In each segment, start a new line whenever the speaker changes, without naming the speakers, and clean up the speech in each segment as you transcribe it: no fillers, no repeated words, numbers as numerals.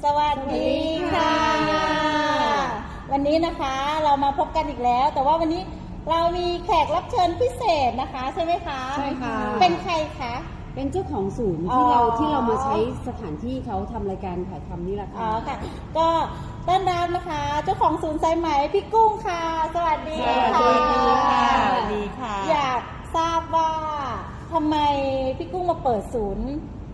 สวัสดีค่ะ วันนี้นะคะเรามาพบกันอีกแล้ว แต่ว่าวันนี้เรามีแขกรับเชิญพิเศษนะคะใช่ไหมคะ
ใช่ค่ะ
เป็นใครคะ
เป็นเจ้าของศูนย์ที่เรามาใช้สถานที่เขาทำรายการถ่ายทำนี่แหละค่ะ
ค่ะก็ต้อนรับนะคะเจ้าของศูนย์สายไหมพี่กุ้งค่ะสวัสดีค่ะ
สวัสดีค่ะสวัสดีค่ะ
อยากทราบว่าทำไมพี่กุ้งมาเปิดศูนย์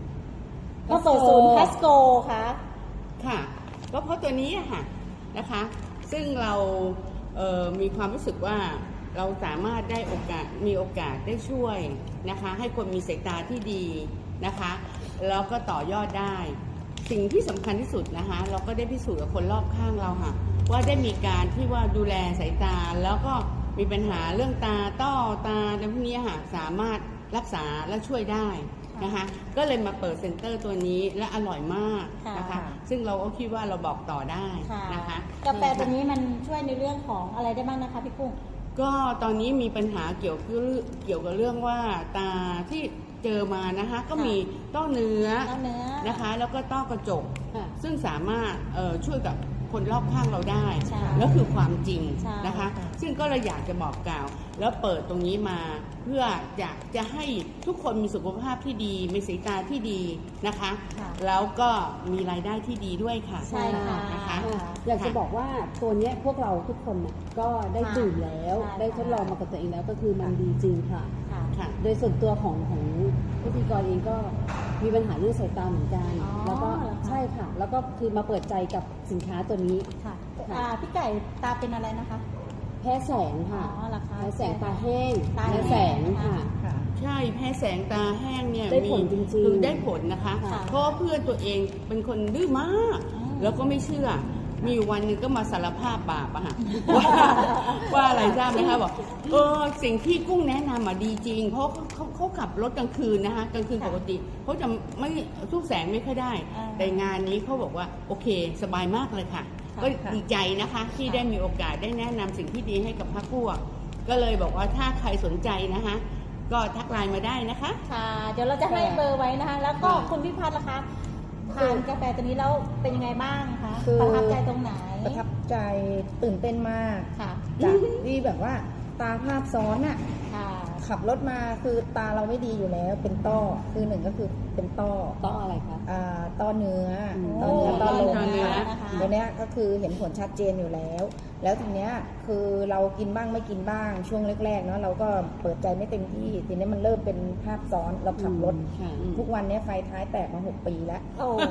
พัสโกคะ
ค่ะก็เพราะตัวนี้ค่ะนะคะซึ่งเรามีความรู้สึกว่าเราสามารถมีโอกาสได้ช่วยนะคะให้คนมีสายตาที่ดีนะคะแล้วก็ต่อยอดได้สิ่งที่สำคัญที่สุดนะคะเราก็ได้พิสูจน์กับคนรอบข้างเราค่ะว่าได้มีการที่ว่าดูแลสายตาแล้วก็มีปัญหาเรื่องตาต้อตาอะไรพวกนี้ค่ะสามารถรักษาและช่วยได้นะคะก็เลยมาเปิดเซ็นเตอร์ตัวนี้และอร่อยมากนะคะซึ่งเราก็คิดว่าเราบอกต่อได้นะคะ
กาแฟตัวนี้มันช่วยในเรื่องของอะไรได้บ้างนะคะพี่กุ้ง
ก็ตอนนี้มีปัญหาเกี่ยวกับเรื่องว่าตาที่เจอมานะคะก็มีต้อเนื้อนะคะแล้วก็ต้อกระจกซึ่งสามารถช่วยกับคนรอบข้างเราได้แล้วคือความจริงนะคะซึ่งก็เลยอยากจะบอกกล่าวแล้วเปิดตรงนี้มาเพื่อจะให้ทุกคนมีสุขภาพที่ดีมีสายตาที่ดีนะคะแล้วก็มีรายได้ที่ดีด้วยค่ะ
ใช่ค่ะ
นะคะ
อยากจะบอกว่าตัวนี้พวกเราทุกคนก็ได้ดื่มแล้วได้ทดลองมากับตัวเองแล้วก็คือมันดีจริงค่ะโดยส่วนตัวของพิธีกรเองก็มีปัญหาเรื่องสายตาเหมือนกันแล้วก็ใช่ค่ะแล้วก็คือมาเปิดใจกับสินค้าตัวนี้
ค่ะพี่ไก่ตาเป็นอะไรนะคะ
แพ้แสงค่ะแพ้แสงตาแห้งแพ้แสงค่ะ
ใช่แพ้แสงตาแห้งเนี่ย
ได้ผลจริงๆ
คือได้ผลนะคะเพราะเพื่อนตัวเองเป็นคนดื้อมากแล้วก็ไม่เชื่อมีวันหนึ่งก็มาสารภาพบาปอะค่ะว่าอะไรทราบไหมคะบอกสิ่งที่กุ้งแนะนำมาดีจริงเพราะเขาขับรถกลางคืนนะคะกลางคืนปกติเขาจะไม่สู้แสงไม่ค่อยได้แต่งานนี้เขาบอกว่าโอเคสบายมากเลยค่ะก็ดีใจนะคะที่ได้มีโอกาสได้แนะนำสิ่งที่ดีให้กับพรรคพวกก็เลยบอกว่าถ้าใครสนใจนะคะก็ทักไลน์มาได้นะคะ
ค่ะเดี๋ยวเราจะให้เบอร์ไว้นะคะแล้วก็คุณพี่พัฒน์ล่ะคะทานกาแฟตัวนี้แล้วเป็นยังไงบ้างคะประทับใจตรงไหน
ประทับใจตื่นเต้นมากจากที่แบบว่าตาภาพซ้อนอะขับรถมาคือตาเราไม่ดีอยู่แล้วเป็นต้อคือหนึ่งก็คือเป็นต้อ
อะไรคะ
ต้อเนื้อต้อลมตัวเนี้ยก็คือเห็นผลชัดเจนอยู่แล้วทีเนี้ยคือเรากินบ้างไม่กินบ้างช่วงแรกๆเนาะเราก็เปิดใจไม่เต็มที่ทีนี้มันเริ่มเป็นภาพซ้อนเราขับรถทุกวันนี้ไฟท้ายแตกมา6 ปีแล้ว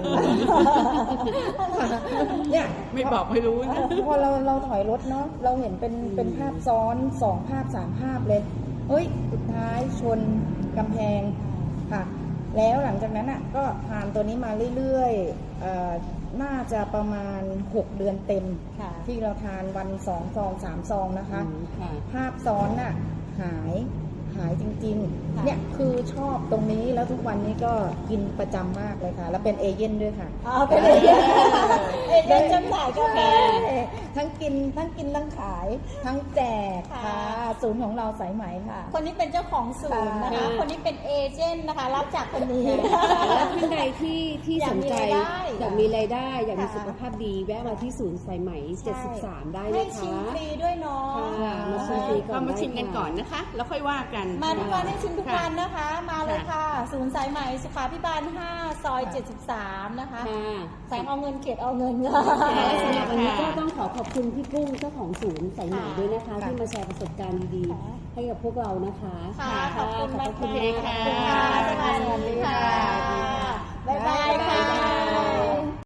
เนี่ยไม่บอกไม่รู้นะ
พอเราถอยรถเนาะเราเห็นเป็นภาพซ้อน2 ภาพ 3 ภาพเลยเฮ้ยสุดท้ายชนกำแพงค่ะแล้วหลังจากนั้นอ่ะก็ทานตัวนี้มาเรื่อยๆน่าจะประมาณ6 เดือนเต็มที่เราทานวัน2 ซอง3 ซองนะคะภาพซ้อนน่ะหายจริงๆเนี่ยคือชอบตรงนี้แล้วทุกวันนี้ก็กินประจำมากเลยค่ะแล้วเป็นเอเย่นด้วยค่ะ
เป็นเอเย่นจำหน่ายกาแฟ
ทั้งกินทั้งขายทั้งแจกค่ะศูนย์ของเราสายไหมค่ะ
คนนี้เป็นเจ้าของศูนย์นะคะคนนี้เป็นเอเจนต์นะคะรับจากคนนี้
แล้วท่านใดที่สนใจอยากมีรายได้อยากมีสุขภาพดีแวะมาที่ศูนย์สายไหม73ได้นะคะ
ให้ชิมฟรีด้วยเนาะ
มาชิมฟรีก่อน
มาชิมกันก่อนนะคะแล้วค่อยว่ากัน
มาทุกวันให้ชิมทุกวันนะคะมาเลยค่ะศูนย์สายไหมสุขาภิบาล5 ซอย 73นะคะแสงเอาเงินเขตเอาเงินค่ะ
สำหรับวันนี้ก็ต้องขอบคุณพี่กุ้งเจ้าของศูนย์สายไหมด้วยนะคะที่มาแชร์ประสบการณ์ดีๆให้กับพวกเรานะคะ
ขอบคุณมากค่ะ